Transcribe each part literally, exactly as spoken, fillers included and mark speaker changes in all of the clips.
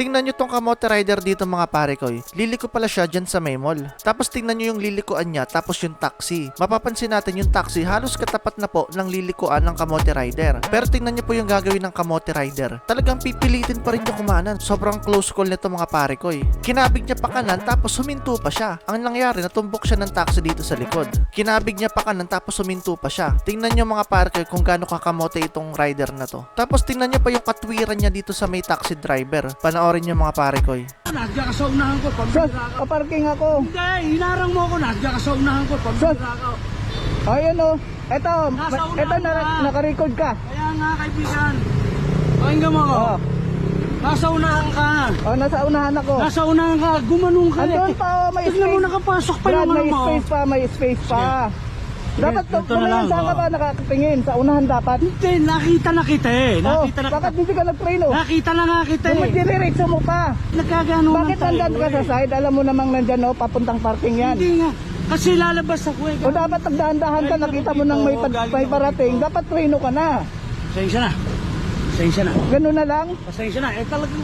Speaker 1: Tingnan nyo tong kamote rider dito mga pare ko. Liliko pala siya dyan sa may mall. Tapos tingnan nyo yung lilikuan niya, tapos yung taxi. Mapapansin natin yung taxi halos katapat na po ng lilikuan ng kamote rider. Pero tingnan nyo po yung gagawin ng kamote rider. Talagang pipilitin pa rin niya kumanan. Sobrang close call nito mga pare ko. Kinabig niya pa kanan tapos huminto pa siya. Ang nangyari, natumbok siya ng taxi dito sa likod. Kinabig niya pa kanan tapos huminto pa siya. Tingnan nyo mga pare ko kung gaano kakamote itong rider na to. Tapos tingnan nyo pa yung katwiran niya dito sa may taxi driver. Panoorin nyo mga pare ko.
Speaker 2: Nandiyan ka sa unahan ko,
Speaker 3: Sus,
Speaker 2: pambira ka.
Speaker 3: kaparking ako.
Speaker 2: Hindi, hinarang mo ako, nandiyan ka sa unahan ko, pambira ka.
Speaker 3: Ayun o. Eto,
Speaker 2: Nasa unahan
Speaker 3: eto na,
Speaker 2: ka.
Speaker 3: naka-record ka.
Speaker 2: Kaya nga kaibigan, pakinggan mo ako.
Speaker 3: Oh,
Speaker 2: Nasa unahan ka.
Speaker 3: oh, nasa unahan ako.
Speaker 2: Nasa unahan ka, gumanong ka.
Speaker 3: Andun pa, oh, may
Speaker 2: Tignan mo,
Speaker 3: space.
Speaker 2: nakapasok pa
Speaker 3: Brad,
Speaker 2: yung
Speaker 3: may
Speaker 2: ano mo.
Speaker 3: space pa, may space pa. Dapat
Speaker 2: Sige,
Speaker 3: kung
Speaker 2: ganito na lang,
Speaker 3: saan ka
Speaker 2: oh.
Speaker 3: ba nakakatingin? Sa unahan dapat.
Speaker 2: Hindi, nakita na kita eh.
Speaker 3: Oh,
Speaker 2: Nakita na
Speaker 3: bakit hindi ka nag-preno?
Speaker 2: Nakita na nga kita eh.
Speaker 3: Dumidiriretso mo pa.
Speaker 2: Nagkagano
Speaker 3: Bakit nandyan ka sa side? Alam mo namang nandyan o, papuntang parking yan.
Speaker 2: Hindi nga. Kasi lalabas ako eh.
Speaker 3: O dapat nagdahan-dahan ka, nakita mo nang may, pad- may parating. Dapat preno ka na.
Speaker 2: Pasensya na. Pasensya na.
Speaker 3: Ganun na lang.
Speaker 2: Pasensya na. Eh talagang...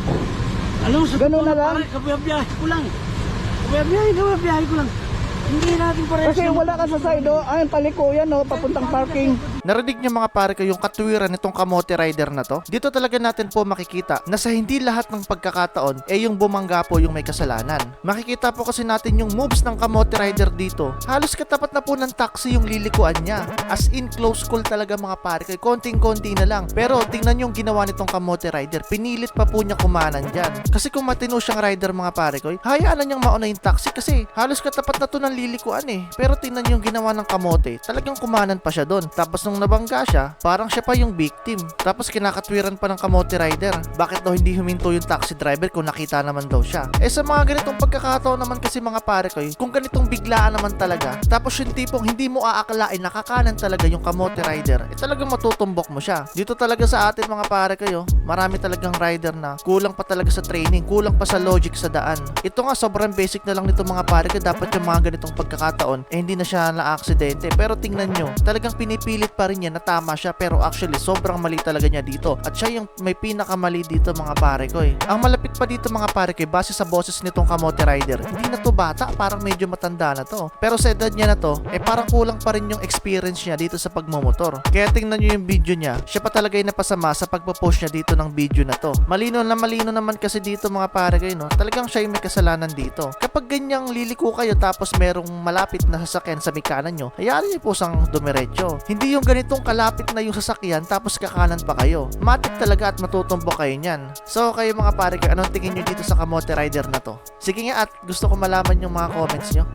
Speaker 2: Alam mo, sa
Speaker 3: Ganun
Speaker 2: totoo
Speaker 3: na lang?
Speaker 2: pare, kabiyabiyahe ko lang. Kabiyabiyahe, kabiyabiyahe ko lang. Hindi natin parehas.
Speaker 3: Kasi wala ka sa side o. Ayun, paliko yan o, papuntang parking.
Speaker 1: Narinig niyo mga pare ko yung katwiran nitong kamote rider na to? Dito talaga natin po makikita na sa hindi lahat ng pagkakataon eh yung bumangga po yung may kasalanan. Makikita po kasi natin yung moves ng kamote rider dito. Halos katapat na po ng taxi yung lilikuan niya. As in close call talaga mga pare ko. Konting-konti na lang. Pero tingnan yung ginawa nitong kamote rider. Pinilit pa po niya kumanan dyan. Kasi kung matino siyang rider mga pare ko, hayaan na niyang mauna yung taxi kasi halos katapat na to ng lilikuan eh. Pero tingnan yung ginawa ng kamote. Talagang kumanan pa siya doon. Tapos nung nabangga siya, parang siya pa yung victim. Tapos kinakatwiran pa ng kamote rider. Bakit daw hindi huminto yung taxi driver kung nakita naman daw siya? Eh sa mga ganitong pagkakataon naman kasi mga pare ko, kung ganitong biglaan naman talaga, tapos yung tipong hindi mo aakalain nakakanan talaga yung kamote rider, eh talagang matutumbok mo siya. Dito talaga sa atin mga pare kayo, marami talagang rider na kulang pa talaga sa training, kulang pa sa logic sa daan. Ito nga sobrang basic na lang nito mga pare ko, dapat yung mga ganitong pagkakataon eh hindi na siya na-aksidente. Pero tingnan nyo, talagang pinipilit pa rin niya na tama siya, pero actually sobrang mali talaga niya dito. At siya yung may pinakamali dito mga pare ko eh. Ang malapit pa dito mga pare ko eh, base sa boses nitong kamote rider, hindi na to bata, parang medyo matanda na to. Pero sa edad niya na to, eh parang kulang pa rin yung experience niya dito sa pagmumotor. Kaya tingnan nyo yung video niya, siya pa talaga yung napasama sa pagpo-post niya dito ng video na to. Malino na malino naman kasi dito mga pare ko, no? Talagang siya yung may kasalanan dito. Kapag ganyang liliko kayo tapos merong malapit na sasakyan sa may kanan nyo, hayaan niyo po sang dumiretso. Hindi yung ganitong kalapit na yung sasakyan tapos kakanan pa kayo. Matik talaga at matutumbok kayo niyan. So kayo mga pare ko, anong tingin nyo dito sa kamote rider na to? Sige nga at gusto ko malaman yung mga comments nyo.